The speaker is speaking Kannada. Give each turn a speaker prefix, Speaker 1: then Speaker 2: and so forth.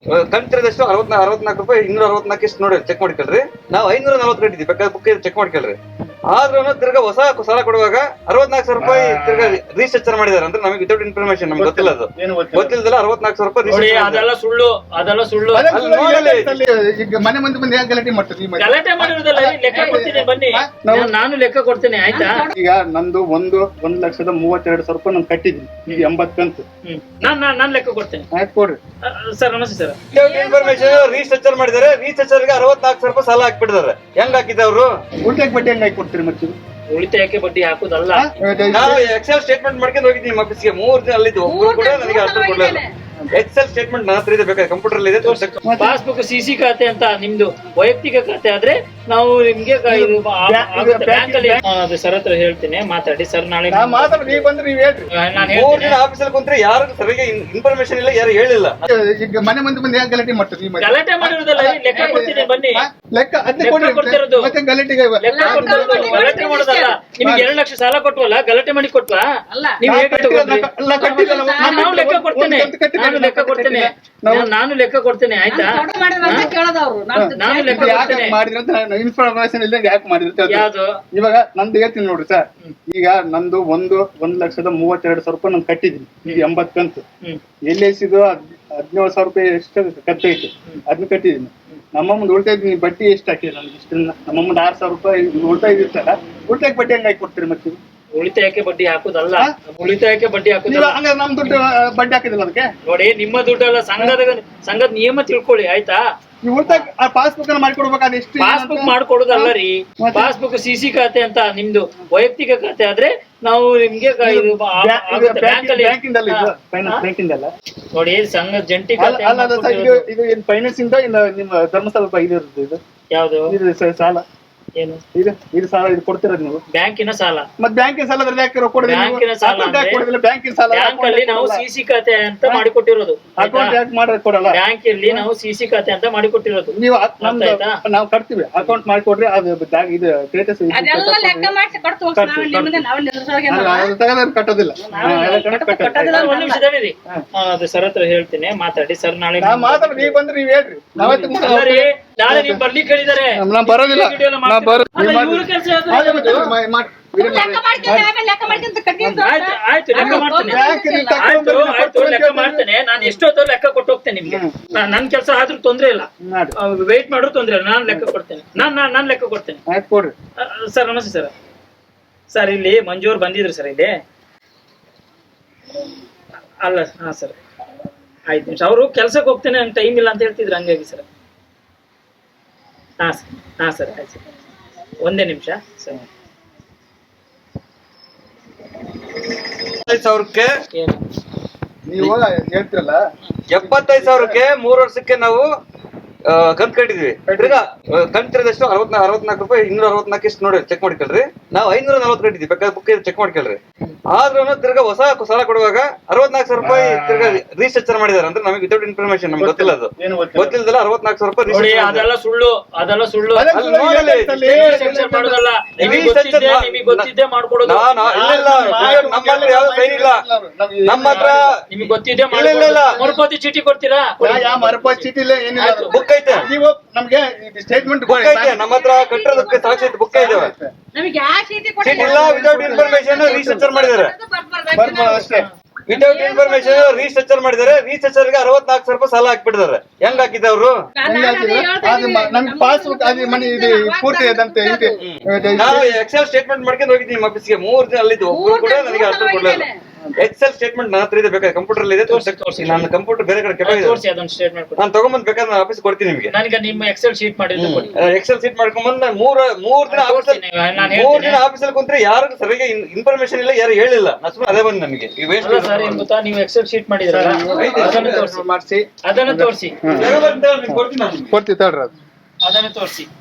Speaker 1: ಕಂತಿರೋದಷ್ಟು 64 ರೂಪಾಯಿ 264 ಎಷ್ಟು ನೋಡಿ ಚೆಕ್ ಮಾಡ್ಕೊಳ್ರಿ. ನಾವು 540 ಕಟ್ಟಿದ್ವಿ, ಬೇಕಾದ್ರೆ ಬುಕ್ ಚೆಕ್ ಮಾಡ್ಕೊಳ್ರಿ. ಆದ್ರೂ ತಿರ್ಗಾ ಹೊಸ ಸಾಲ ಕೊಡುವಾಗ 64,000 ರೂಪಾಯಿ ತಿರ್ಗಾ ರೀಸ್ಟ್ರಕ್ಚರ್ ಮಾಡಿದಾರೆ ಅಂದ್ರೆ ನಮಗೆ ವಿತೌಟ್ ಇನ್ಫಾರ್ಮೇಶನ್ ನಮ್ಗೆ ಗೊತ್ತಿಲ್ಲ. ಅದು ಗೊತ್ತಿಲ್ಲದಲ್ಲ 64,000 ರೂಪಾಯಿ
Speaker 2: ಅದೆಲ್ಲ ಸುಳ್ಳು, ಅದೆಲ್ಲ ಸುಳ್ಳು.
Speaker 3: ಈಗ ಮನೆ ಮುಂದೆ ಬಂದು ಯಾಕೆ ಗಲಾಟೆ ಮಾಡ್ತೀರಿ?
Speaker 2: ಗಲಾಟೆ ಮಾಡಿರೋದಲ್ಲ, ಲೆಕ್ಕ ಕೊಡ್ತೀನಿ ಬನ್ನಿ, ನಾನು ಲೆಕ್ಕ ಕೊಡ್ತೇನೆ ಆಯ್ತಾ.
Speaker 3: ಈಗ ನಂದು 1,32,000 ರೂಪಾಯಿ ನಾನು ಕಟ್ಟಿದ್ದೀನಿ, ಈಗ 80 ಕಂತು.
Speaker 2: ನಾನ್ ಲೆಕ್ಕ ಕೊಡ್ತೇನೆ.
Speaker 3: ಆಯ್ತು ಕೊಡ್ರಿ
Speaker 2: ಸರ್. ನಮಸ್ತೆ ಸರ್.
Speaker 1: ಇನ್ಫಾರ್ಮೇಶನ್ ರೀಸ್ಟ್ರಕ್ಚರ್ ಮಾಡಿದಾರೆ. ರೀಸ್ಟ್ರಕ್ಚರ್ಗೆ 64,000 ರೂಪಾಯಿ ಸಾಲ ಹಾಕ್ಬಿಟ್ಟಿದ್ದಾರೆ. ಹೆಂಗ್ ಹಾಕಿದವ್ರು?
Speaker 3: ಉಲ್ಟಕ್ಕೆ ಬಡ್ಡಿ ಹೆಂಗ್ ಹಾಕಿ ಕೊಡ್ತೀರಿ ಮತ್ತೆ?
Speaker 2: ಉಳಿತಾಯಕ್ಕೆ ಬಡ್ಡಿ ಹಾಕುದಲ್ಲ.
Speaker 1: ನಾವು ಎಕ್ಸೆಲ್ ಸ್ಟೇಟ್ಮೆಂಟ್ ಮಾಡ್ಕೊಂಡು ಹೋಗಿದ್ದೀನಿ ನಿಮ್ಮ ಆಫೀಸ್ಗೆ. 3 ದಿನ ಅಲ್ಲಿದ್ದು ಒಬ್ಬರು ಕೂಡ ನನಗೆ ಅರ್ಥ ಕೊಡ್ಲಿಲ್ಲ. ಎಕ್ಸೆಲ್ ಸ್ಟೇಟ್ಮೆಂಟ್ ನನ್ನ ಹತ್ರ ಇದೆ, ಬೇಕಾದ್ರೆ ಕಂಪ್ಯೂಟರ್ ಇದೆ.
Speaker 2: ಪಾಸ್ಬುಕ್ ಸಿಸಿ ಖಾತೆ ಅಂತ ನಿಮ್ದು ವೈಯಕ್ತಿಕ ಖಾತೆ ಆದ್ರೆ ನಾವು ನಿಮ್ಗೆ ಬ್ಯಾಂಕ್ ಅಲ್ಲಿ ಸರ್ ಹತ್ರ ಹೇಳ್ತೀನಿ, ಮಾತಾಡಿ ಸರ್. ನಾಳೆ
Speaker 3: ನೀವು ಬಂದ್ರೆ ನೀವ್ ಹೇಳ್ರಿ.
Speaker 2: ನಾನು
Speaker 1: 3 ದಿನ ಆಫೀಸಲ್ಲಿ ಕುಂತ್ರೆ ಯಾರು ಸರಿಯಾಗಿ ಇನ್ಫಾರ್ಮೇಶನ್ ಇಲ್ಲ, ಯಾರು ಹೇಳಿಲ್ಲ.
Speaker 3: ಈಗ ಮನೆ ಮುಂದೆ ಬಂದು ಯಾಕೆ ಗಲಾಟೆ ಮಾಡ್ತೀರಿ?
Speaker 2: ಗಲಾಟೆ ಮಾಡಿರೋದಲ್ಲ, ಲೆಕ್ಕ ಕೊಡ್ತೀನಿ ಬನ್ನಿ.
Speaker 3: ಲೆಕ್ಕ
Speaker 2: ಕೊಡ್ತಿರೋದು
Speaker 3: ಮತ್ತೆ ಗಲಾಟೆಗೆ
Speaker 2: ಲೆಕ್ಕ ಕೊಡ್ತಿರೋದು ಗಲಾಟೆ ಮಾಡೋದಲ್ಲ. ನಿಮ್ಗೆ 2 ಲಕ್ಷ ಸಾಲ ಕೊಟ್ವಲ್ಲ, ಗಲಾಟೆ ಮಾಡಿ ಕೊಟ್ವಾ? ನೀವ್ ಹೇಗೆ ತಗೊಂಡ್ರಿ? ನಾವು ಲೆಕ್ಕ ಕೊಡ್ತೇನೆ, ನಾನು ಲೆಕ್ಕ ಕೊಡ್ತೇನೆ ಆಯ್ತಾ. ನಾನು ಲೆಕ್ಕ ಕೊಡ್ತೇನೆ.
Speaker 3: ಮಾಡಿದ್ರೆ ಇನ್ಫಾರ್ಮೇಶನ್ ಇಲ್ಲ ಯಾಕೆ ಮಾಡಿದ್ರೆ
Speaker 2: ಯಾವ್ದು?
Speaker 3: ಇವಾಗ ನಂದು ಹೇಳ್ತೀನಿ ನೋಡ್ರಿ ಸರ್. ಈಗ ನಂದು 1,32,000 ರೂಪಾಯಿ ನಾನು ಕಟ್ಟಿದ್ದೀನಿ, ಈಗ 80 ಕಂತು. LICದು 17,000 ರೂಪಾಯಿ ಎಷ್ಟು ಖರ್ಚೈತಿ, ಅದನ್ನ ಕಟ್ಟಿದ್ದೀನಿ. ನಮ್ಮಮ್ಮಂದು ಉಳ್ತಾ ಇದ್ದೀನಿ, ಬಡ್ಡಿ ಎಷ್ಟು ಹಾಕಿದೆ ನಮ್ಗೆ ಇಷ್ಟ. ನಮ್ಮಮ್ಮಂದು 6,000 ರೂಪಾಯಿ ಉಳ್ತಾ ಇದಿರ್ತಲ್ಲ, ಉಳ್ತಾಯಕ್ಕೆ ಬಡ್ಡಿ ಹೆಂಗ್ ಹಾಕಿ ಕೊಡ್ತೀರಿ ಮತ್ತೆ?
Speaker 2: ಉಳಿತಾಯಕ್ಕೆ ಬಡ್ಡಿ ಹಾಕುದಲ್ಲ, ಉಳಿತಾಯಕ್ಕೆ ಬಡ್ಡಿ ಹಾಕುದಿಲ್ಲ.
Speaker 3: ಹಂಗ ನಮ್ ದುಡ್ಡು ಬಡ್ಡಿ ಹಾಕಿದಿಲ್ಲ ಅದಕ್ಕೆ.
Speaker 2: ನೋಡಿ, ನಿಮ್ಮ ದುಡ್ಡಲ್ಲ, ಸಂಘದ ನಿಯಮ ತಿಳ್ಕೊಳ್ಳಿ ಆಯ್ತಾ.
Speaker 3: ನೀವು ಉಳ್ತಾಯ ಪಾಸ್ಬುಕ್ ಅನ್ನ ಮಾಡ್ಕೊಡ್ಬೇಕಾದ್ರೆ ಎಷ್ಟು?
Speaker 2: ಪಾಸ್ಬುಕ್ ಮಾಡ್ಕೊಡುದಲ್ಲ ರೀ, ಪಾಸ್ಬುಕ್ ಸಿಸಿ ಖಾತೆ ಅಂತ ನಿಮ್ದು ವೈಯಕ್ತಿಕ ಖಾತೆ ಆದ್ರೆ ನಾವು ನಿಮ್ಗೆ
Speaker 3: ಬ್ಯಾಂಕಿಂದಲ್ಲ
Speaker 2: ನೋಡಿ, ಸಂಘ ಜಂಟಿ ಖಾತೆ.
Speaker 3: ಇದು ಏನ್ ಫೈನಾನ್ಸ್ ಇಂದ ಇಲ್ಲ ನಿಮ್ಮ ಧರ್ಮಸ್ಥಳ ಇದು ಇರುತ್ತೆ? ಇದು
Speaker 2: ಯಾವ್ದು?
Speaker 3: ಇದು ಸಾಲ
Speaker 2: ಏನು?
Speaker 3: ಇದು ಸಾಲ ಇದು ಕೊಡ್ತಿರೋದು ನೀವು?
Speaker 2: ಬ್ಯಾಂಕಿನ ಸಾಲ.
Speaker 3: ಮತ್ತೆ ಬ್ಯಾಂಕಿನ ಸಾಲ
Speaker 2: ಬ್ಯಾಂಕಿನ ಸಾಲ
Speaker 3: ಬ್ಯಾಂಕಿನ ಸಾಲ
Speaker 2: ಬ್ಯಾಂಕ್ ಅಲ್ಲಿ ನಾವು ಸಿಸಿ ಖಾತೆ ಅಂತ ಮಾಡಿಕೊಟ್ಟಿರೋದು.
Speaker 3: ಅಕೌಂಟ್ ಯಾಕೆ ಮಾಡೋದು ಕೊಡಲ್ಲ?
Speaker 2: ಬ್ಯಾಂಕ್ ಅಲ್ಲಿ ನಾವು ಸಿಸಿ ಖಾತೆ ಅಂತ ಮಾಡಿಕೊಟ್ಟಿರೋದು.
Speaker 3: ನೀವು ನಾವು ಕಟ್ತೀವಿ, ಅಕೌಂಟ್ ಮಾಡಿಕೊಡ್ರಿ. ಅದು ಇದು ಸ್ಟೇಟಸ್ ಕಟ್ಟೋದಿಲ್ಲ.
Speaker 2: ಒಂದ್ ನಿಮಿಷ ತಡೀರಿ, ಅದು ಸರ್ ಹತ್ರ ಹೇಳ್ತೀನಿ, ಮಾತಾಡಿ ಸರ್. ನಾಳೆ
Speaker 3: ನೀವು ಬಂದ್ರೆ ನೀವ್ ಹೇಳ್ರಿ.
Speaker 2: ನಾಳೆ ನೀವು ಬರ್ಲಿಕ್ಕೆ ಹೇಳಿದಾರೆ.
Speaker 3: ನಾನ್ ಬರೋದಿಲ್ಲ.
Speaker 2: ಆಯ್ತು, ಲೆಕ್ಕ ಮಾಡ್ತೇನೆ. ನಾನು ಎಷ್ಟೊತ್ತೋ ಲೆಕ್ಕ ಕೊಟ್ಟು ಹೋಗ್ತೇನೆ ನಿಮ್ಗೆ. ನನ್ ಕೆಲಸ ಆದ್ರೂ ತೊಂದ್ರೆ ಇಲ್ಲ, ವೇಟ್ ಮಾಡ್ರು ತೊಂದ್ರೆ ಇಲ್ಲ. ನಾನ್ ಲೆಕ್ಕ ಕೊಡ್ತೇನೆ, ನಾನ್ ಲೆಕ್ಕ ಕೊಡ್ತೇನೆ. ಸರ್ ನಮಸ್ತೆ ಸರ್. ಸರ್ ಇಲ್ಲಿ ಮಂಜು ಅವ್ರು ಬಂದಿದ್ರು ಸರ್ ಇಲ್ಲಿ. ಅಲ್ಲ, ಹಾ ಸರ್, 5 ನಿಮಿಷ. ಅವರು ಕೆಲ್ಸಕ್ಕೆ ಹೋಗ್ತೇನೆ, ನಂಗೆ ಟೈಮ್ ಇಲ್ಲ ಅಂತ ಹೇಳ್ತಿದ್ರು, ಹಂಗಾಗಿ ಸರ್. ಹಾ ಸರ್, ಆಯ್ತು ಸರ್, ಒಂದೇ ನಿಮಿಷ ಸರ್.
Speaker 1: 75,000ಕ್ಕೆ
Speaker 3: ನೀವು ಹೇಳ್ತಿರಲ್ಲ,
Speaker 1: 75,000ಕ್ಕೆ 3 ವರ್ಷಕ್ಕೆ ನಾವು ಕಂತ್ ಕಟ್ಟಿದ್ವಿ. ತಿರ್ಗಾ ಕಂತಿರೋದಷ್ಟು 64 ರೂಪಾಯಿ 264 ಎಷ್ಟು ನೋಡಿ ಚೆಕ್ ಮಾಡ್ಕೊಳ್ರಿ. ನಾವು 540 ಕಟ್ಟಿದ್ವಿ, ಬೇಕಾದ್ರೆ ಬುಕ್ ಚೆಕ್ ಮಾಡ್ಕೊಳ್ರಿ. ಆದ್ರೂ ತಿರ್ಗಾ ಹೊಸ ಸಾಲ ಕೊಡುವಾಗ 64,000 ರೂಪಾಯಿ ತಿರ್ಗಾ ರೀಸ್ಟ್ರಕ್ಚರ್ ಮಾಡಿದಾರೆ ಅಂದ್ರೆ ನಮಗೆ ವಿತೌಟ್ ಇನ್ಫಾರ್ಮೇಶನ್ ನಮ್ಗೆ ಗೊತ್ತಿಲ್ಲ. ಅದು ಗೊತ್ತಿಲ್ಲದಲ್ಲ 64,000 ರೂಪಾಯಿ.
Speaker 2: ಅದೆಲ್ಲ ಸುಳ್ಳು, ಅದೆಲ್ಲ ಸುಳ್ಳು. ನಿಮಗೆ ಗೊತ್ತಿದ್ದೆ ಮಾಡ್ಕೊಡೋದು.
Speaker 1: ನಮ್ಮ ಹತ್ರ ಯಾವ ಸೈನ್ ಇಲ್ಲ. ನಮ್ಮ ಹತ್ರ
Speaker 2: ನಿಮ್ಗೆ ಗೊತ್ತಿದ್ದೆ ಮರುಪಾವತಿ ಚೀಟಿ ಕೊಡ್ತೀರಾ?
Speaker 3: ಮರುಪಾವತಿ ಚೀಟಿ ಇಲ್ಲ, ಏನಿಲ್ಲ.
Speaker 1: ಬುಕ್ ಐತೆ,
Speaker 3: ನೀವು ನಮ್ಗೆ ಸ್ಟೇಟ್ಮೆಂಟ್
Speaker 1: ಬುಕ್ ಐತೆ. ನಮ್ಮ ಹತ್ರ ಕಟ್ಟಿರೋದಕ್ಕೆ ಸಾಕ್ಷಿ ಬುಕ್ ಇದಾವೆ. ಚೀಟಿ ಇಲ್ಲ, ವಿತೌಟ್ ಇನ್ಫಾರ್ಮೇಶನ್ ರೀಸ್ಟ್ರಕ್ಚರ್ ಮಾಡಿದ್ದಾರೆ.
Speaker 3: ಅಷ್ಟೇ,
Speaker 1: ವಿತೌಟ್ ಇನ್ಫಾರ್ಮೇಶನ್ ರೀಸ್ಟ್ರಕ್ಚರ್ ಮಾಡಿದ್ದಾರೆ. ರೀಸ್ಟ್ರಕ್ಚರ್ಗೆ 64,000 ರೂಪಾಯಿ ಸಾಲ ಹಾಕ್ಬಿಟ್ಟಿದ್ದಾರೆ. ಹೆಂಗ್ ಹಾಕಿದವ್ರು?
Speaker 3: ನಮ್ಗೆ ಪಾಸ್ಬುಕ್ ಅದು ಮನಿ ಇದು ಪೂರ್ತಿ ಅದಂತೆ.
Speaker 1: ನಾವು ಎಕ್ಸೆಲ್ ಸ್ಟೇಟ್ಮೆಂಟ್ ಮಾಡ್ಕೊಂಡು ಹೋಗಿದ್ದೀನಿ ನಿಮ್ಮ ಆಫೀಸ್ಗೆ. 3 ದಿನ ಅಲ್ಲಿದ್ದು ಒಬ್ಬರು ಕೂಡ ನನಗೆ ಅರ್ಥ ಕೊಡ್ಲಿಲ್ಲ. ಎಕ್ಸೆಲ್ ಸ್ಟೇಟ್ಮೆಂಟ್ ನನ್ನ ಹತ್ರ ಇದೆ, ಬೇಕಾದ್ರೆ ಕಂಪ್ಯೂಟರ್ ಇದೆ. ನನ್ನ ಕಂಪ್ಯೂಟರ್ ಬೇರೆ ಕಡೆ ಕೆಳಗಿದೆ, ನಾನು ತಗೊಂಬಂದ್ ಬೇಕಾದ್ರೆ ನಾನು ಆಫೀಸ್ ಕೊಡ್ತೀನಿ ನಿಮ್ಗೆ.
Speaker 2: ನನಗೆ ನಿಮ್ಮ ಎಕ್ಸೆಲ್ ಶೀಟ್ ಮಾಡಿದ್ರೆ
Speaker 1: ಎಕ್ಸೆಲ್ ಶೀಟ್ ಮಾಡ್ಕೊಂಡ್ಬಂದ್ 3 ದಿನ ಆಫೀಸಲ್ಲಿ ಕುಂತ್ರೆ ಯಾರು ಸರಿಯಾಗಿ ಇನ್ಫಾರ್ಮೇಶನ್ ಇಲ್ಲ, ಯಾರು ಹೇಳಿಲ್ಲ. ಅದೇ ಬಂದ್ ನಮಗೆ
Speaker 2: ಗೊತ್ತಾ, ನೀವು ಎಕ್ಸೆಲ್ ಶೀಟ್ ಮಾಡಿದ್ರಲ್ಲ, ಅದನ್ನು ತೋರಿಸಿ
Speaker 3: ಕೊಡ್ತೀವಿ ತಡ್ರಿ.
Speaker 2: ಅದನ್ನು ತೋರಿಸಿ.